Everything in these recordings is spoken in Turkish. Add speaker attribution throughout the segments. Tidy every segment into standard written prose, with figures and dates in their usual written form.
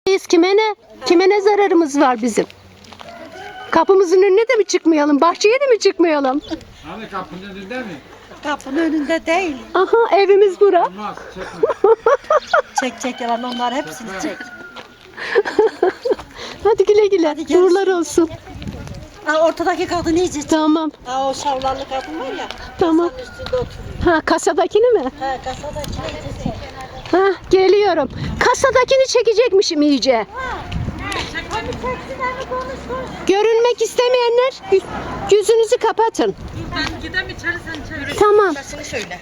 Speaker 1: Kime ne? Kime ne zararımız var bizim? Kapımızın önüne de mi çıkmayalım? Bahçeye de mi çıkmayalım?
Speaker 2: Hani kapının önünde mi?
Speaker 3: Kapının önünde değil.
Speaker 1: Aha, evimiz bura.
Speaker 2: Olmaz, çekme.
Speaker 3: Çek yalan onlar hepsini çek.
Speaker 1: Hadi güle güle.
Speaker 3: Hadi görüşürüz.
Speaker 1: Uğurlar olsun.
Speaker 3: Ha, ortadaki kadın iyice.
Speaker 1: Tamam.
Speaker 3: Ha, o şavlarlı kadın var ya.
Speaker 1: Tamam.
Speaker 3: Kasanın üstünde oturuyor.
Speaker 1: Ha, kasadakini mi?
Speaker 3: Ha, kasadaki iyice çek.
Speaker 1: Ha, geliyorum. Kasadakini çekecekmişim iyice.
Speaker 3: Hadi çeksinler konuş.
Speaker 1: Görünmek istemeyenler yüzünüzü kapatın.
Speaker 3: Ben gidem içeri sen çevir.
Speaker 1: Tamam.
Speaker 3: Sesini söyle.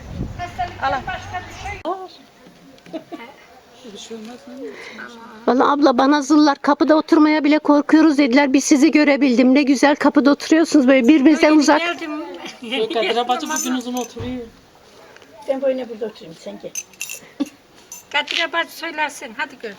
Speaker 1: Vallahi abla bana zıllar kapıda oturmaya bile korkuyoruz dediler. Biz sizi görebildim. Ne güzel kapıda oturuyorsunuz böyle birbirinizden uzak.
Speaker 4: Kadir bacı bugün uzun oturuyor.
Speaker 3: Ben böyle burada oturayım sen gel.
Speaker 5: Kadir bacı söylersin. Hadi gör.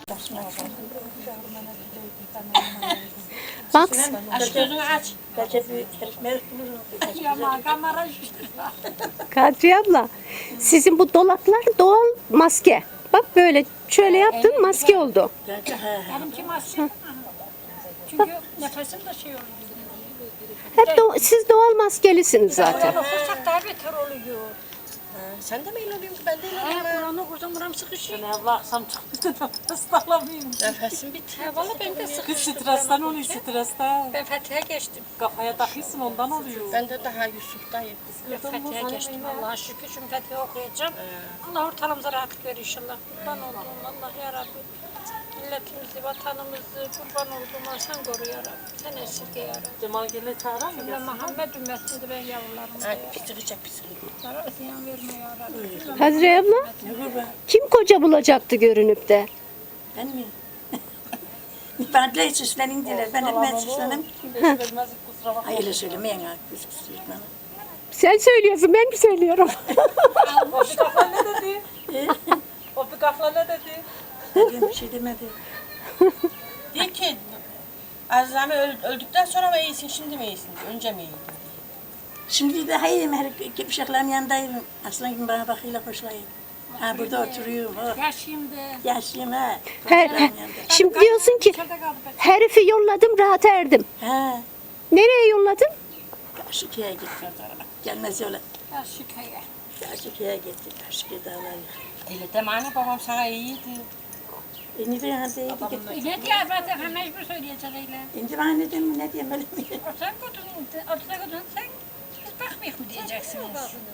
Speaker 1: Bak
Speaker 5: Aç gözünü aç.
Speaker 3: Belki bir herif merik bulurum.
Speaker 5: Yama kamera
Speaker 1: Kadriye abla sizin bu dolaplar doğal maske. Bak böyle şöyle yaptın maske oldu.
Speaker 3: Belki he.
Speaker 5: Benimki maske. Çünkü nefesim de şey oluyor.
Speaker 1: Hep siz doğal maskelisiniz zaten.
Speaker 5: Okursak daha beter oluyor.
Speaker 3: Sen de mi öyle oluyorsun ki ben de öyle oluyorum.
Speaker 5: Buranı okursam buram sıkışıyor.
Speaker 4: Ne baksam çıktı da ıslaklamayayım.
Speaker 3: Nefesim bitiyor.
Speaker 5: Valla ben de
Speaker 4: Kız
Speaker 5: sıkıştım.
Speaker 4: stresten oluyor stresten.
Speaker 5: Ben Fethiye geçtim.
Speaker 4: Kafaya takıyorsun ondan oluyor.
Speaker 3: Ben de daha Yusuf'tayım.
Speaker 5: Ben Fethiye geçtim. Allah'a şükür şimdi Fethiye okuyacağım. Allah ortalığımıza rahat verir inşallah. Kurban olduğum Allah ya Rabbi. Milletimizi, vatanımızı kurban olduğum sen koru ya Rabbi. Sen esirge ya Rabbi.
Speaker 4: Cemal Gel'e çağıran mı?
Speaker 5: Ben Muhammed ümmetinde ben yavrularım da ya Rabbi.
Speaker 3: Pisiri çek pisiri.
Speaker 5: Bana ziyan verme ya Rabbi.
Speaker 1: Kadriye abla kim koca bulacaktı görünüp de?
Speaker 3: Ben mi? Ben de süslenin diler. Ben de süslenim.
Speaker 4: Vermez kusura bakma.
Speaker 3: Hayır söylemeyin ha. Küsüsüzler.
Speaker 1: Sen söylüyorsun ben mi söylüyorum?
Speaker 4: O bir kafla ne dedi? O bir kafla ne dedi?
Speaker 3: Dedim bir şey demedi.
Speaker 6: Diyor ki Azami öldükten sonra mı iyisin, şimdi mi iyisin? Önce mi iyiydin?
Speaker 3: Şimdi de hayır her uşakların yanındayım. Aslan gibi bana bakıyla hoşlayın. Ha burada oturuyorum. Oh.
Speaker 5: Yaşayayım de.
Speaker 3: Yaşlıyım ha.
Speaker 1: Şimdi diyorsun ki
Speaker 5: İçeride kaldı be.
Speaker 1: herifi yolladım rahat erdim.
Speaker 3: Ha.
Speaker 1: Nereye yolladın?
Speaker 3: Karşıkaya gitti. Gelmez yola.
Speaker 5: Yaşıkaya.
Speaker 3: Karşıkaya gitti. Karşıkaya dağlar.
Speaker 6: Öyle deme anne, babam sana iyiydi.
Speaker 3: Ne diyeyim hadi gitti.
Speaker 5: Ne diye zaten mecbur söyleyecek öyle.
Speaker 3: Şimdi bana ne diyeyim ne diyeyim öyle mi?
Speaker 5: Sen götürün sen. Biz bakmayız mı diyeceksiniz.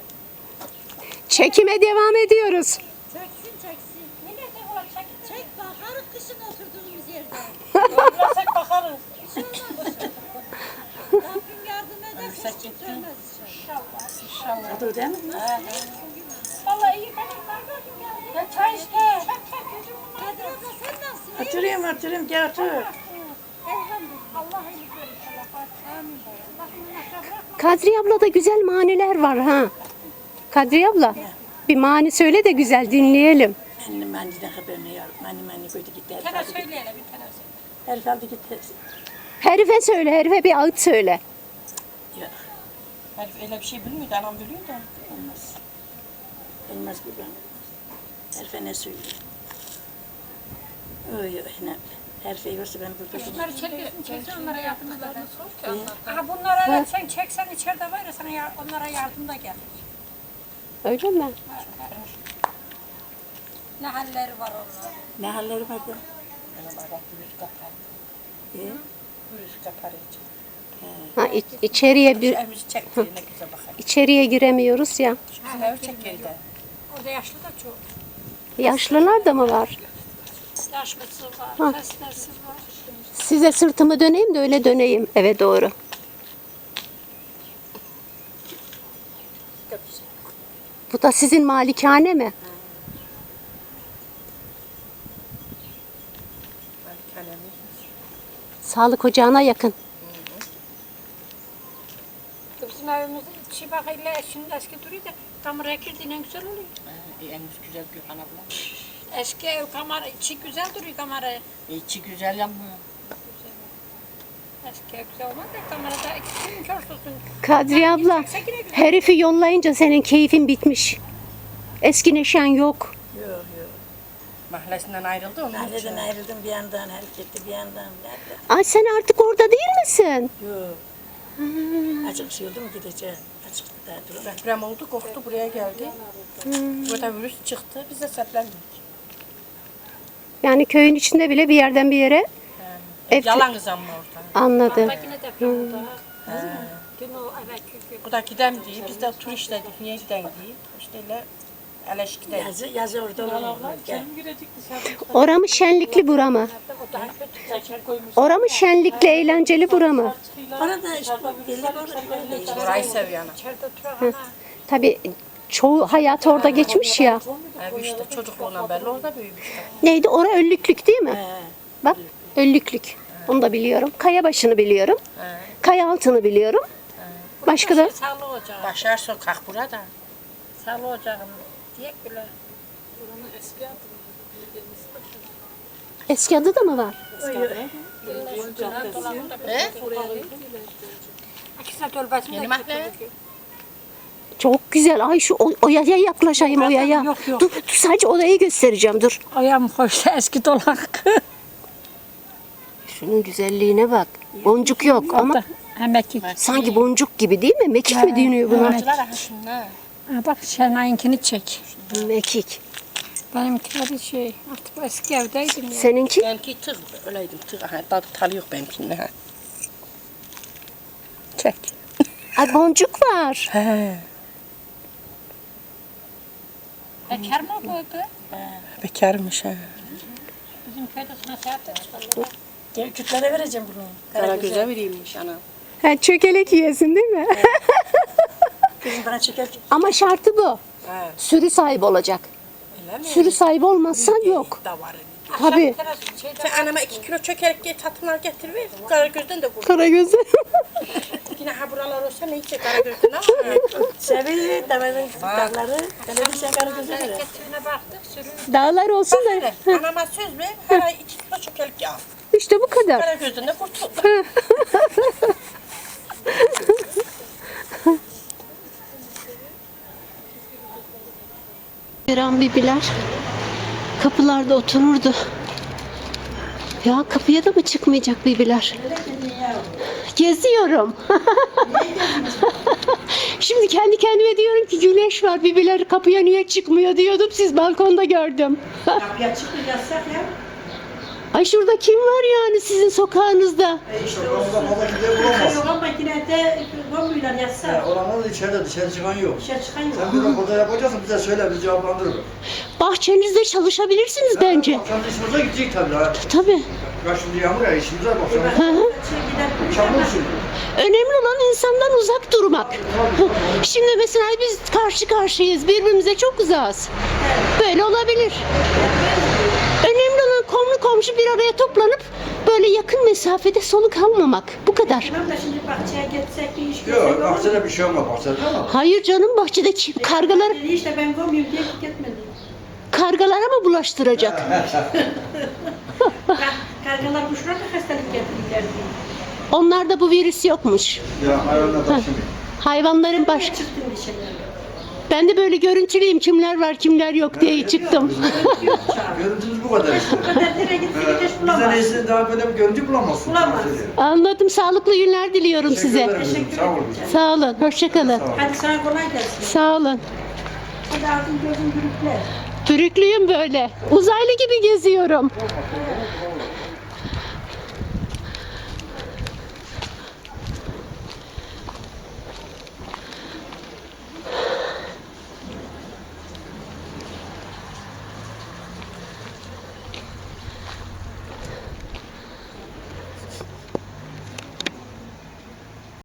Speaker 1: Çekime devam ediyoruz.
Speaker 5: Çeksin. Millete olacak. Çek bakarız kışın oturduğumuz yerde.
Speaker 4: Öldürsek bakarız.
Speaker 5: Rabbim yardım ederse hiç sönmez inşallah.
Speaker 3: Hadi değil mi?
Speaker 5: Vallahi iyi benim kardeşim ya. Ya çay işte. Kadir abla sen nasılsın?
Speaker 3: Oturuyorum gel otur.
Speaker 5: Elhamdülillah. Allah iyilik verir inşallah. Amin. Allah'ım nasıl bırakma.
Speaker 1: Kadriye abla da güzel maniler var ha. Kadriye abla bir mani söyle de güzel dinleyelim.
Speaker 3: Benim anneden haberini yok. Mani koydu gitti.
Speaker 5: Bir tane söyle hele bir tane söyle.
Speaker 3: Herif aldı gitti.
Speaker 1: Herife söyle, herife bir ağıt söyle.
Speaker 3: Yok.
Speaker 6: Herif öyle bir şey bilmiyordu, anam biliyor da.
Speaker 3: Olmaz. Olmaz kurban. Herife ne söyleyeyim? Oy ne. Herife yoksa ben burada
Speaker 5: Bunları çeksin onlara yardım eder. Aha bunlara evet sen çeksen içeride var ya sana onlara yardım da gelir.
Speaker 1: Öyle mi?
Speaker 5: Ne halleri var onların.
Speaker 3: ne halleri var da?
Speaker 6: Anam bak virüs kapar. Virüs kapar hiç.
Speaker 1: Ha, içeriye bir
Speaker 6: Evimizi çekti, ne güzel bakar.
Speaker 1: içeriye giremiyoruz ya.
Speaker 6: Şu ev çek geride.
Speaker 5: Orada yaşlı da çok.
Speaker 1: Yaşlılar da mı var?
Speaker 5: Yaşlısı var,
Speaker 1: Ha.
Speaker 5: hastası var.
Speaker 1: Size sırtımı döneyim de öyle döneyim eve doğru. Bu da sizin malikane mi?
Speaker 6: Kalemi.
Speaker 1: Sağlık ocağına yakın.
Speaker 5: Bizim evimiz içi bakıyla şimdi eski duruyor da kameraya girdiğine güzel oluyor.
Speaker 6: En güzel Gülhan abla.
Speaker 5: Eski ev kamera içi güzel duruyor kameraya.
Speaker 6: İçi güzel yapmıyor.
Speaker 5: Eski ev güzel olmaz da kamerada ikisinin körsüzün.
Speaker 1: Kadriye abla herifi yollayınca senin keyfin bitmiş. Eski neşen yok.
Speaker 3: Yok.
Speaker 6: Mahallesinden ayrıldı onun için.
Speaker 3: Mahalleden ayrıldım bir yandan, hareketli bir yandan.
Speaker 1: Ay sen artık orada değil misin?
Speaker 3: Yok. Açık şey oldu mu gideceğim. Açık daha dur.
Speaker 6: Deprem oldu, korktu buraya geldi. Burada virüs çıktı, biz de seplendik.
Speaker 1: Yani köyün içinde bile bir yerden bir yere ev
Speaker 6: Yalanız ama orada.
Speaker 1: anladım.
Speaker 5: Yine deprem oldu ha. Dün o evvelki gün.
Speaker 6: Bu da gidem diye, biz de tur işledik, niye giden diye. İşte öyle eleş gidelim.
Speaker 3: Yazı orada olalım. Gel.
Speaker 1: Ora mı şenlikli bura mı?
Speaker 5: O daha kötü.
Speaker 1: Ora mı şenlikli eğlenceli bura mı?
Speaker 3: Orada işte belli orada işte.
Speaker 6: Burayı seviyorum.
Speaker 5: İçeride oturan ha.
Speaker 1: Tabii çoğu hayat orada geçmiş ya.
Speaker 6: Bu işte çocukluğundan belli orada büyümüşler.
Speaker 1: Neydi? Ora Öllüklük değil mi? Bak Öllüklük. Onu da biliyorum. Kayabaşı'nı biliyorum. Kayaaltı'nı biliyorum. Başka da
Speaker 5: Sağlı ocağı.
Speaker 6: Başar sokak burada.
Speaker 5: Sağlı ocağım. Diyek bile.
Speaker 1: eski adı da mı var?
Speaker 5: İkisine tölbesini
Speaker 6: Yeni
Speaker 5: de
Speaker 6: mahalle.
Speaker 1: Çok güzel. Ay şu o yaya yaklaşayım o yaya.
Speaker 5: Yok, yok.
Speaker 1: Dur sadece odayı göstereceğim dur.
Speaker 5: Ayağım hoşta eski dolak.
Speaker 1: Şunun güzelliğine bak. Boncuk yok ama
Speaker 5: Emekli.
Speaker 1: sanki boncuk gibi değil mi? Mekik mi deniyor buna?
Speaker 6: Acılar aha şunlar.
Speaker 5: Ha bak Şenay'ınkini çek.
Speaker 1: Mekik.
Speaker 5: Benimkileri şey artık eski evdeydim ya.
Speaker 1: Seninki?
Speaker 6: Benimki tığ, öyleydim tığ. Aha, tadı yok benimkinde ha. Çek.
Speaker 1: Ay boncuk var.
Speaker 6: He.
Speaker 5: Bekar mı bu kız?
Speaker 6: Bekarmış ha.
Speaker 5: Bizim köyde nasihat ettiler.
Speaker 3: Gel kütlere vereceğim bunu.
Speaker 6: Karagöz'e vereyimmiş ana.
Speaker 1: Ha, çökelek yiyesin değil mi?
Speaker 3: Kızım bana çeker.
Speaker 1: Ama şartı bu.
Speaker 6: He.
Speaker 1: Sürü sahibi olacak.
Speaker 6: Öyle mi?
Speaker 1: Sürü sahibi olmazsan yok.
Speaker 6: Da var.
Speaker 1: Tabii.
Speaker 6: Sen anama 2 kilo çökerek tatlılar getir ver. Karagöz'den de vur.
Speaker 1: Karagöz'ü.
Speaker 6: Yine ha buralar olsa neyse Karagöz'den ama.
Speaker 3: Sevi, damarın dağları. Televizyon karı gözü verir.
Speaker 5: Hareketine baktık sürü.
Speaker 1: Dağlar olsun da.
Speaker 6: Bak anama söz ver. Her ay 2 kilo çökerek al.
Speaker 1: İşte bu kadar.
Speaker 6: Karagöz'den de kurtul.
Speaker 1: Eren bibiler kapılarda otururdu. Ya kapıya da mı çıkmayacak bibiler? Geziyorum. Şimdi kendi kendime diyorum ki güneş var bibiler kapıya niye çıkmıyor diyordum. Siz balkonda gördüm.
Speaker 3: Kapıya çıkıp yazsak ya.
Speaker 1: Ay şurada kim var yani sizin sokağınızda?
Speaker 7: İşte orada fazla kimse bulamaz.
Speaker 3: Yok makinede bombayla yazsak.
Speaker 7: Olanlar da içeride, dışarı çıkan yok.
Speaker 3: Dışarı çıkan yok.
Speaker 7: Sen bir raporda yapacaksın, bize söyle, biz cevaplandırırız.
Speaker 1: Bahçenizde çalışabilirsiniz bence.
Speaker 7: Akşam işimize gidecek tabii. Ha.
Speaker 1: Tabii.
Speaker 7: Ya şimdi yağmur ya, işimize bak.
Speaker 1: Hı hı.
Speaker 7: Çamur şimdi.
Speaker 1: Önemli olan insandan uzak durmak. Şimdi mesela biz karşı karşıyayız, birbirimize çok uzağız. Böyle olabilir. Önemli olan komşu bir araya toplanıp böyle yakın mesafede soluk almamak. Bu kadar.
Speaker 3: Tamam da şimdi bahçeye gitsek bir iş görsek
Speaker 7: Yok,
Speaker 3: olur mu?
Speaker 7: bahçede bir şey olmaz bahçede ama.
Speaker 1: Hayır canım bahçedeki kargalar
Speaker 3: Dedi işte ben koymuyorum diye gitmedi.
Speaker 1: kargalara mı bulaştıracak?
Speaker 3: Kargalar kuşlar da hastalık getirirler diye.
Speaker 1: Onlarda bu virüs yokmuş.
Speaker 7: Ya hayvanlar bak şimdi.
Speaker 1: Hayvanların başka.
Speaker 3: Çıktım dışarı.
Speaker 1: Ben de böyle görüntüleyeyim kimler var kimler yok diye çıktım.
Speaker 7: Görüntümüz bu kadar işte.
Speaker 3: Bu kadar nereye gitse gideş
Speaker 7: Bizden
Speaker 3: bulamaz.
Speaker 7: iyisini daha böyle bir görüntü bulamazsın.
Speaker 3: Bulamaz.
Speaker 1: Anladım. Sağlıklı günler diliyorum
Speaker 7: Teşekkür
Speaker 1: size.
Speaker 7: ederim kızım, sağ olun.
Speaker 1: Sağ olun. Hoşça kalın.
Speaker 3: Hadi sana kolay gelsin.
Speaker 1: Sağ olun.
Speaker 3: Hadi ağzın gözün gürükler.
Speaker 1: Pürüklüyüm böyle. Uzaylı gibi geziyorum.